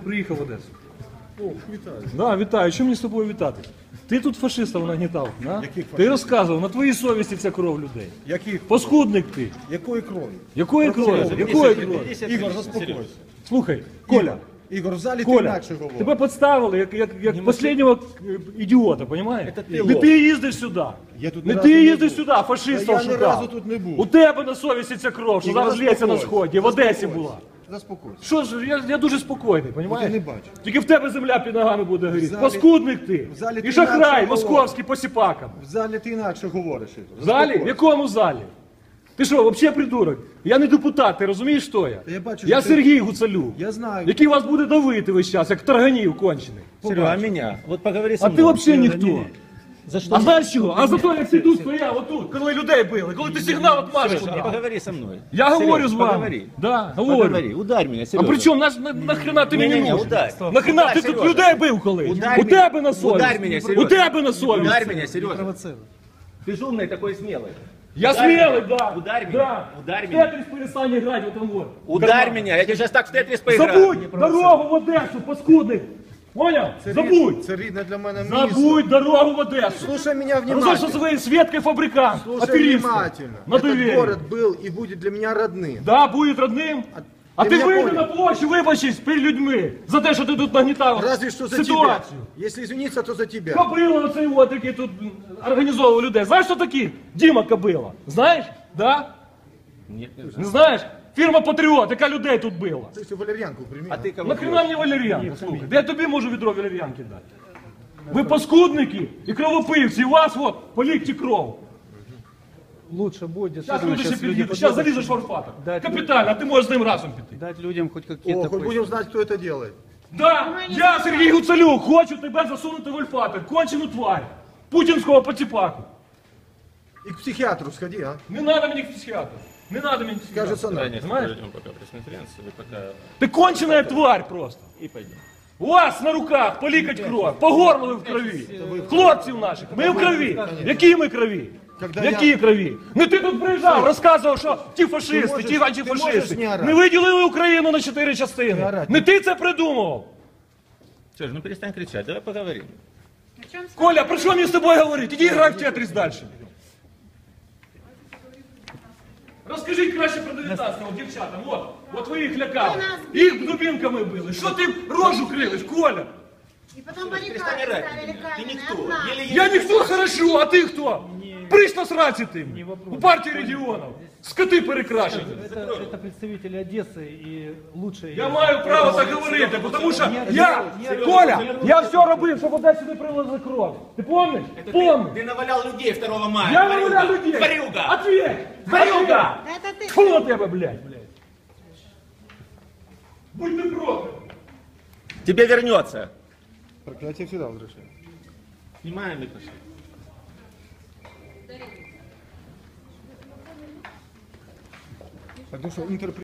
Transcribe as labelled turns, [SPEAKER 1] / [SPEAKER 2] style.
[SPEAKER 1] приїхав в Одесу.
[SPEAKER 2] О, вітаю.
[SPEAKER 1] Да, вітаю. Що мені з тобою вітати? Ти тут фашистів нагнітав, да?
[SPEAKER 2] Яких фашистів?
[SPEAKER 1] Ти розказував, на твоїй совісті ця кров людей.
[SPEAKER 2] Яких?
[SPEAKER 1] Паскудник ти.
[SPEAKER 2] Якої крові?
[SPEAKER 1] Якої крові? Якої крові?
[SPEAKER 2] Ігор, заспокойся.
[SPEAKER 1] Слухай, Коля,
[SPEAKER 2] Ігор, в залі ти
[SPEAKER 1] Коля,
[SPEAKER 2] інакше говориш.
[SPEAKER 1] тебе підставили як останнього ідіота, розумієш? Не ти їздиш сюди.
[SPEAKER 2] Я тут
[SPEAKER 1] Не
[SPEAKER 2] ні разу
[SPEAKER 1] ти
[SPEAKER 2] не
[SPEAKER 1] їздиш
[SPEAKER 2] був.
[SPEAKER 1] сюди, фашистів
[SPEAKER 2] Та я ні
[SPEAKER 1] шукав.
[SPEAKER 2] разу тут не був.
[SPEAKER 1] У тебе на совісті ця кров, що
[SPEAKER 2] Ігор,
[SPEAKER 1] зараз лється на
[SPEAKER 2] заспокойся.
[SPEAKER 1] сході, в Одесі була.
[SPEAKER 2] Заспокойся.
[SPEAKER 1] Що ж, я дуже спокійний,
[SPEAKER 2] От я
[SPEAKER 1] розумієш?
[SPEAKER 2] не бачу.
[SPEAKER 1] Тільки в тебе земля під ногами буде горіти.
[SPEAKER 2] залі-
[SPEAKER 1] Паскудник ти.
[SPEAKER 2] в залі
[SPEAKER 1] І
[SPEAKER 2] ти
[SPEAKER 1] шахрай,
[SPEAKER 2] інакше
[SPEAKER 1] московський посіпаком.
[SPEAKER 2] В залі ти інакше говориш, Ігор.
[SPEAKER 1] В залі? В
[SPEAKER 2] Заспокойся.
[SPEAKER 1] якому залі? Ти що, взагалі придурок? Я не депутат, ти розумієш, хто я?
[SPEAKER 2] Та я бачу,
[SPEAKER 1] Я
[SPEAKER 2] що ти-
[SPEAKER 1] Сергій Гуцалюк,
[SPEAKER 2] Я знаю.
[SPEAKER 1] який вас буде давити весь час, як тарганів кончений.
[SPEAKER 3] Серега, а меня? Вот поговори со
[SPEAKER 1] А
[SPEAKER 3] мной.
[SPEAKER 1] ти взагалі ніхто.
[SPEAKER 3] За что?
[SPEAKER 1] А знаєш чого? А за то, як ти тут стояв, отут, коли людей били, коли ти сигнал от Маші
[SPEAKER 3] Сережа,
[SPEAKER 1] дав.
[SPEAKER 3] поговори со мной.
[SPEAKER 1] Я
[SPEAKER 3] Сереж,
[SPEAKER 1] говорю з вами.
[SPEAKER 3] Поговори.
[SPEAKER 1] Да, говорю.
[SPEAKER 3] Поговори. Ударь меня,
[SPEAKER 1] А
[SPEAKER 3] Сережа.
[SPEAKER 1] при чому нахрена ти мені
[SPEAKER 3] Не-не-не,
[SPEAKER 1] нужен?
[SPEAKER 3] ударь.
[SPEAKER 1] Нахрена
[SPEAKER 3] Ударь,
[SPEAKER 1] ти тут
[SPEAKER 3] Сережа.
[SPEAKER 1] людей бив колись?
[SPEAKER 3] Ударь
[SPEAKER 1] У
[SPEAKER 3] меня.
[SPEAKER 1] тебе на совісті.
[SPEAKER 3] Ударь меня, Сережа.
[SPEAKER 1] У тебе на совісті.
[SPEAKER 3] Ударь меня, Сережа. Ты же умный такой смелый.
[SPEAKER 1] Я
[SPEAKER 3] Ударь
[SPEAKER 1] смелый,
[SPEAKER 3] меня.
[SPEAKER 1] да.
[SPEAKER 3] Ударь меня.
[SPEAKER 1] Да.
[SPEAKER 3] Ударь меня.
[SPEAKER 1] Тетрис перестань играть в этом вот.
[SPEAKER 3] Ударь
[SPEAKER 1] карман.
[SPEAKER 3] меня, я тебе сейчас так в тетрис поиграю.
[SPEAKER 1] Забудь дорогу в Одесу, паскудник. Понял? Забудь.
[SPEAKER 2] Це рідне для мене місто.
[SPEAKER 1] Забудь дорогу в Одессу.
[SPEAKER 2] Слушай меня
[SPEAKER 1] Разошел
[SPEAKER 2] внимательно.
[SPEAKER 1] своей Светкой фабрикант.
[SPEAKER 2] Слушай
[SPEAKER 1] Аферистом.
[SPEAKER 2] внимательно.
[SPEAKER 1] На
[SPEAKER 2] Этот
[SPEAKER 1] доверие.
[SPEAKER 2] город был и будет для меня родным.
[SPEAKER 1] Да, будет родным. А
[SPEAKER 2] ты
[SPEAKER 1] ти
[SPEAKER 2] меня
[SPEAKER 1] вийди
[SPEAKER 2] понял?
[SPEAKER 1] на площу, вибачись перед людьми за те, що ти тут нагнітав
[SPEAKER 2] Разве что за
[SPEAKER 1] ситуацію.
[SPEAKER 2] тебя. Если извиниться, то за тебя.
[SPEAKER 1] Кобила оцей от, який тут організовував людей. Знаєш, хто такий? Діма Кобила. Знаєш? Да?
[SPEAKER 3] Нет, не знаю.
[SPEAKER 1] Не знаєш? Фірма Патріот, яка людей тут била.
[SPEAKER 2] Ты всю валерьянку прими.
[SPEAKER 3] А ты кого?
[SPEAKER 1] Нахрена мені валер'янка, слухай? Де я тобі можу відро валер'янки дати? Ви паскудники і кровопивці, і у вас от полікті кров.
[SPEAKER 4] Лучше будет
[SPEAKER 1] Зараз
[SPEAKER 4] действительно
[SPEAKER 1] люди ще
[SPEAKER 4] сейчас люди
[SPEAKER 1] під'їдуть, зараз
[SPEAKER 4] подумают,
[SPEAKER 1] залізеш в орфатор.
[SPEAKER 4] Дать
[SPEAKER 1] Капітально, а ти можеш з ним разом піти.
[SPEAKER 4] дать людям хоть
[SPEAKER 2] О,
[SPEAKER 4] какие-то
[SPEAKER 2] хоть будем знать, кто это делает.
[SPEAKER 1] Да, я, Сергій Гуцалюк, хочу тебе засунути в ольфатор, кончену тварь, путінського потіпаку.
[SPEAKER 2] И к психиатру сходи, а?
[SPEAKER 1] Не надо мені психіатру, не надо мені психіатру.
[SPEAKER 2] Кажется, надо.
[SPEAKER 1] Знаешь?
[SPEAKER 3] Проведем пока пресс-конференцию, и пока...
[SPEAKER 1] Ти конченая тварь просто.
[SPEAKER 3] И пойдем.
[SPEAKER 1] У вас на руках полікать кров, по горлу ви в крові. Хлопців наших, ми в крові. Які ми крові? Які крові? Не ти тут приїжджав, розказував, що ті фашисти, ті
[SPEAKER 2] можеш
[SPEAKER 1] антифашисти
[SPEAKER 2] не орати.
[SPEAKER 1] не виділили Україну на 4 частини.
[SPEAKER 2] орати.
[SPEAKER 1] Не ти це придумував.
[SPEAKER 3] Сереж, ну перестань кричать, давай поговорим.
[SPEAKER 1] Коля, про що мені з тобою говорити? Іди грай в Тетріс далі. Розкажіть краще про 19-го дівчатам. От ви їх лякали. Їх дубінками били. Що ти рожу кривиш, Коля?
[SPEAKER 5] И потом баррикады
[SPEAKER 3] Перестань орать.
[SPEAKER 5] ставили
[SPEAKER 3] Ты
[SPEAKER 5] каменные,
[SPEAKER 3] никто.
[SPEAKER 5] одна.
[SPEAKER 3] Еле-еле.
[SPEAKER 1] Я ніхто хорошо, а ти хто? Прийшла сраці ти. У партії регіонів. Скоти перекрашені.
[SPEAKER 4] Это представители Одессы и лучшие.
[SPEAKER 1] Я маю право так говорити, тому що я, Коля, я все робив, щоб Одесі не прилили кров. Ти пам'ятаєш? Помню.
[SPEAKER 3] Ты навалял людей 2 мая.
[SPEAKER 1] Я виявляю людей.
[SPEAKER 3] Тварюга.
[SPEAKER 1] Ответь. Тварюга.
[SPEAKER 5] Это ты.
[SPEAKER 1] Фу на тебе, блядь. Будь ти проклят.
[SPEAKER 3] Тебе вернется.
[SPEAKER 2] Проклятие всегда возвращает.
[SPEAKER 3] Снимаем и пошли.
[SPEAKER 2] Потому что